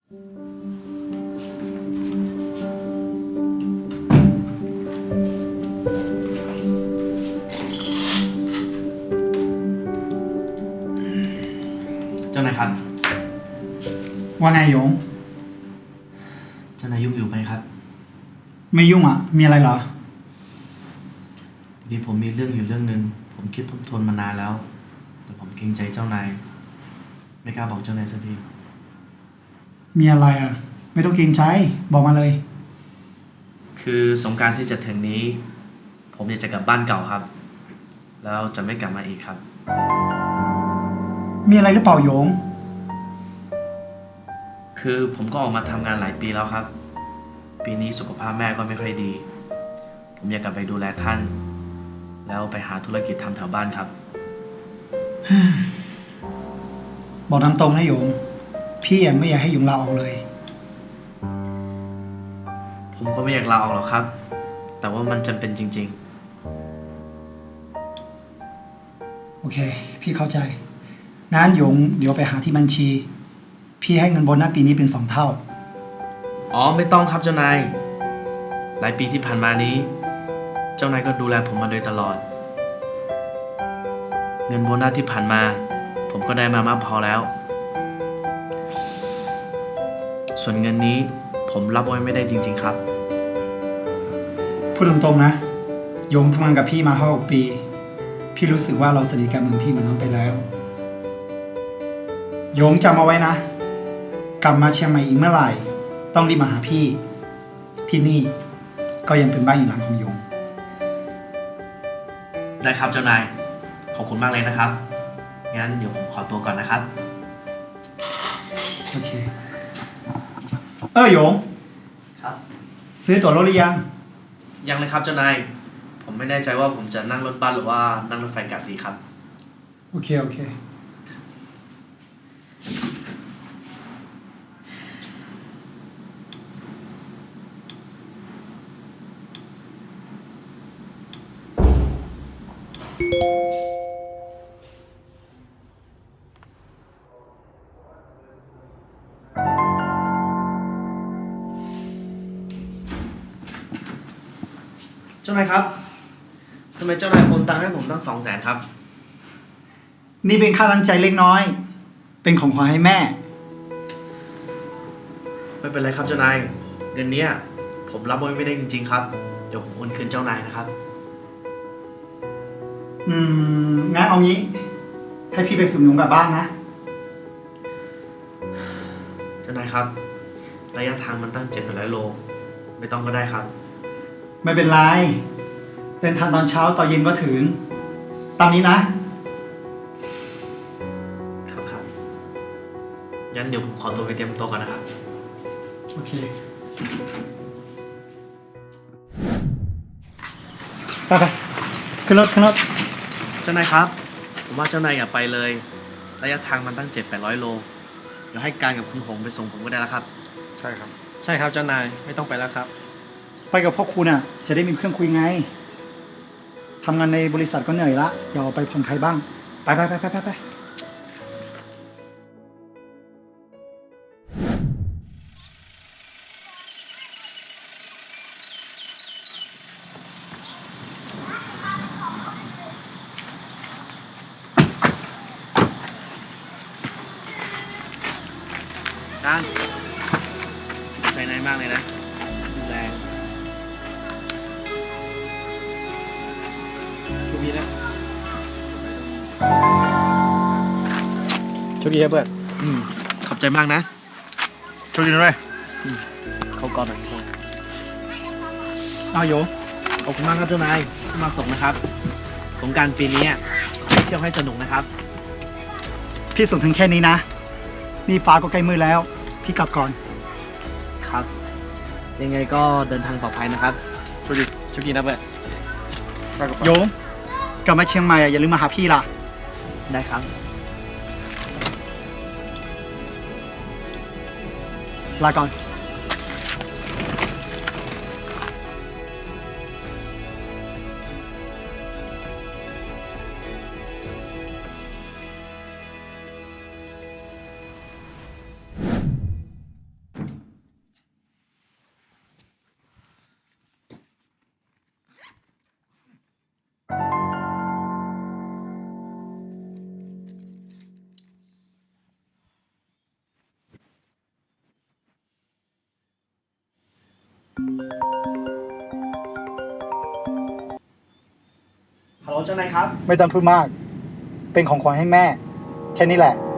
เจ้านายครับว่าไงหยงเจ้านายยุ่งอยู่ไหมครับไม่ยุ่งอ่ะ มีอะไรเหรอพอดีผมมีเรื่องอยู่เรื่องนึง ผมคิดทบทวนมานานแล้ว แต่ผมเกรงใจเจ้านาย ไม่กล้าบอกเจ้านายสักทีมีอะไรอ่ะ ไม่ต้องเกรงใจ บอกมาเลยคือสงกรานต์ที่จะถึงนี้ ผมอยากจะกลับบ้านเก่าครับ แล้วจะไม่กลับมาอีกครับมีอะไรหรือเปล่าหยงคือผมก็ออกมาทำงานหลายปีแล้วครับ ปีนี้สุขภาพแม่ก็ไม่ค่อยดี ผมอยากกลับไปดูแลท่าน แล้วไปหาธุรกิจทำแถวบ้านครับบอกตามตรงนะหยง พี่ไม่อยากให้หยงลาออกเลยผมก็ไม่อยากลาออกหรอกครับ แต่ว่ามันจำเป็นจริงโอเค พี่เข้าใจงั้นหยงเดี๋ยวไปหาที่บัญชี พี่ให้เงินโบนัสปีนี้เป็น2 เท่าๆ อ๋อไม่ต้องครับเจ้านาย หลายปีที่ผ่านมานี้ เจ้านายก็ดูแลผมมาโดยตลอด เงินโบนัสที่ผ่านมา ผมก็ได้มามากพอแล้ว ส่วนเงินนี้ผมรับไว้ไม่ได้จริง ๆ ครับพูดตรงๆนะหยงทำงานกับพี่มา5-6 ปี พี่รู้สึกว่าเราสนิทกันเหมือนพี่เหมือนน้องไปแล้วหยงจำเอาไว้นะ กลับมาเชียงใหม่อีกเมื่อไหร่ ต้องรีบมาหาพี่ ที่นี่ก็ยังเป็นบ้านอีกหลังของหยงได้ครับเจ้านาย ขอบคุณมากเลยนะครับ งั้นเดี๋ยวผมขอตัวก่อนนะครับโอเคหยงครับซื้อตั๋วรถหรือยังยังเลยครับเจ้านาย ผมไม่แน่ใจว่าผมจะนั่งรถบัสหรือว่านั่งรถไฟกลับดีครับโอเค โอเคเจ้านายครับ ทำไมเจ้านายโอนตังค์ให้ผมตั้ง200,000ครับนี่เป็นค่าน้ำใจเล็กน้อย เป็นของขวัญให้แม่ไม่เป็นไรครับเจ้านาย เงินเนี้ยผมรับไว้ไม่ได้จริงๆครับ เดี๋ยวผมโอนคืนเจ้านายนะครับงั้นเอางี้ ให้พี่ไปสุ่มหนุนกลับบ้านนะเจ้านายครับ ระยะทางมันตั้ง700 โล ไม่ต้องก็ได้ครับไม่เป็นไร เดินทางตอนเช้าตอนเย็นก็ถึง ตามนี้นะครับครับงั้นเดี๋ยวผมขอตัวไปเตรียมตัวก่อนนะครับโอเค ไปขึ้นรถขึ้นรถเจ้านายครับ ผมว่าเจ้านายอย่าไปเลย ระยะทางมันตั้ง700-800 โล เดี๋ยวให้การกับคุณหงไปส่งผมก็ได้แล้วครับใช่ครับใช่ครับเจ้านายไม่ต้องไปแล้วครับไปกับพ่อคุณจะได้มีเพื่อนคุยไง ทำงานในบริษัทก็เหนื่อยละอย่าออกไปผ่อนคลายบ้าง ไปการใจนายมากเลยนะดูแลทุกทีนะโชคดีครับเพื่อนขอบใจมากนะโชคดีด้วยเขาก่อนหน่อยเอาโยขอบคุณมากครับเจ้านายที่มาส่งนะครับ สงกรานต์ปีนี้ขอให้เที่ยวให้สนุกนะครับพี่ส่งถึงแค่นี้นะ นี่ฟ้าก็ใกล้มืดแล้ว พี่กลับก่อนครับ ยังไงก็เดินทางปลอดภัยนะครับโชคดีนะเพื่อนไปกับโยกลับมาเชียงใหม่อย่าลืมมาหาพี่ล่ะได้ครับลาก่อนฮัลโหลเจ้านายครับไม่ต้องพูดมาก เป็นของขวัญให้แม่ แค่นี้แหละ